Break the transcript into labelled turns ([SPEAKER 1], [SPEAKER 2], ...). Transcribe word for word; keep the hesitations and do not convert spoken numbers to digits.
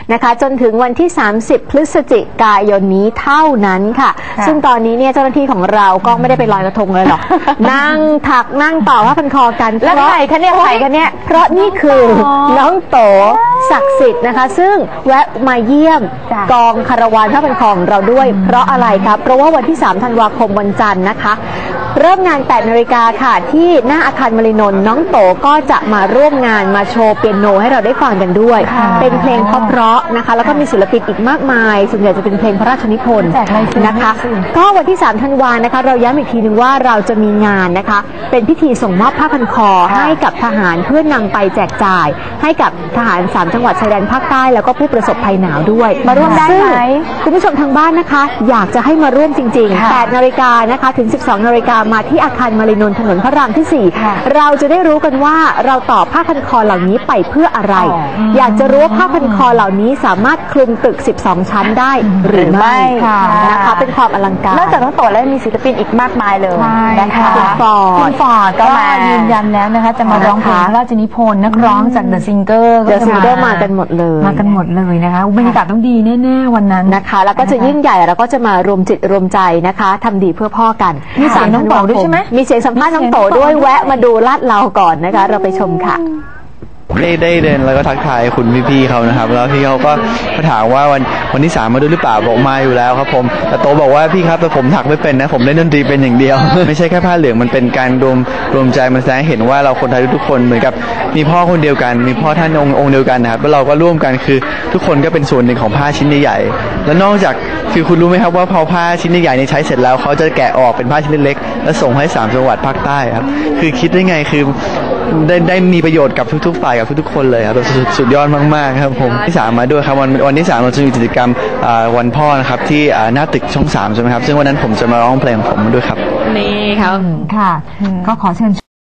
[SPEAKER 1] นะคะจนถึงวันที่สามสิบพฤศจิกายนนี้เท่านั้นค่ะซึ่งตอนนี้เนี่ยเจ้าหน้าที่ของเราก็ไม่ได้ไปลอยกระทงเลยหรอก นั่งถักนั่งต่อผ้าพันคอกัน
[SPEAKER 2] แล้วใครคะเนี่ยใครคะเนี่ย
[SPEAKER 1] เพราะนี่คือน้องโตศักดิ์สิทธิ์นะคะซึ่งแวะมาเยี่ยมกองคาราวานผ้าพันคอของเราด้วยเพราะอะไรครับเพราะว่าวันที่สามธันวาคมวันจันทร์นะคะเริ่มงานแปดนาฬิกาค่ะที่หน้าอาคารมรินนท์น้องโตก็จะมาร่วมงานมาโชว์เปียโนให้เราได้ฟังกันด้วยเป็นเพลงเพราะๆนะคะแล้วก็มีศิลปินอีกมากมายส่วนใหญ่จะเป็นเพลงพระราชนิพนธ์นะคะก็วันที่สามธันวานะคะเราย้ำอีกทีนึงว่าเราจะมีงานนะคะเป็นพิธีส่งมอบผ้าพันคอให้กับทหารเพื่อนำไปแจกจ่ายให้กับทหารสามจังหวัดชายแดนภาคใต้แล้วก็ผู้ประสบภัยหนาวด้วยมาร่วมได้ไหมคุณผู้ชมทางบ้านนะคะอยากจะให้มาร่วมจริงๆแปดนาฬิกานะคะถึงสิบสองนาฬิกามาที่อาคารมรินนท์ถนนพระรามที่สี่เราจะได้รู้กันว่าเราต่อผ้าพันคอเหล่านี้ไปเพื่ออะไรอยากจะรู้ว่าผ้าพันคอเหล่านี้สามารถคลุมตึกสิบสองชั้นได้หรือไม่นะคะเป็นความอลังการ
[SPEAKER 2] นอกจากน้องโตแล้วมีศิลปินอีกมากมายเลยนะคะ
[SPEAKER 1] คุณฟอร์ด
[SPEAKER 3] คุณฟอร์ดก็มายืนยันแล้วนะคะจะมาร้องเพลงพระราชนิพนธ์นักร้องจากเดอะซิงเกอร์
[SPEAKER 1] เดอะซิงเกอร์มากันหมดเลย
[SPEAKER 3] มากันหมดเลยนะคะบรรยากาศต้องดีแน่ๆวันนั้น
[SPEAKER 1] นะคะแล้วก็จะยิ่งใหญ่แล้วก็จะมารวมจิตรวมใจนะคะทำดีเพื่อพ่อกัน
[SPEAKER 3] มีเสียงน้องโตด้วยใช่ไหม
[SPEAKER 1] มีเสียงสัมภาษณ์น้องโตด้วยแวะมาดูลาดเราก่อนนะคะเราไปชมค่ะ
[SPEAKER 4] ได้ได้เดินแล้วก็ทักทายคุณพี่ๆเขานะครับแล้วพี่เขาก็มาถามว่าวันวันที่สามมาดูหรือเปล่าบอกมาอยู่แล้วครับผมแต่โตบอกว่าพี่ครับแต่ผมถักไม่เป็นนะผมเล่นดนตรีเป็นอย่างเดียว ไม่ใช่แค่ผ้าเหลืองมันเป็นการรวมรวมใจมันแสดงเห็นว่าเราคนไทยทุกคนเหมือนกับมีพ่อคนเดียวกันมีพ่อท่านองค์องค์เดียวกันนะครับแล้วเราก็ร่วมกันคือทุกคนก็เป็นส่วนหนึ่งของผ้าชิ้นใหญ่ๆแล้วนอกจากคือคุณรู้ไหมครับว่าพอผ้าชิ้นใหญ่ๆในใช้เสร็จแล้วเขาจะแกะออกเป็นผ้าชิ้นเล็กๆแล้วส่งให้สามจังหวัดภาคใต้ครับคือคิดได้ไงคือได้ได้มีประโยชน์กับทุกๆฝ่ายกับทุกๆคนเลยครับสุดสุดยอดมากๆครับผมที่สามมาด้วยครับวันวันที่สามเราจะมีกิจกรรมวันพ่อนะครับที่หน้าตึกช่องสามใช่ไหมครับซึ่งวันนั้นผมจะมาร้องเพลงของผมด้วยครับ
[SPEAKER 1] นี่ครับ
[SPEAKER 3] ค่ะก็ขอเชิญ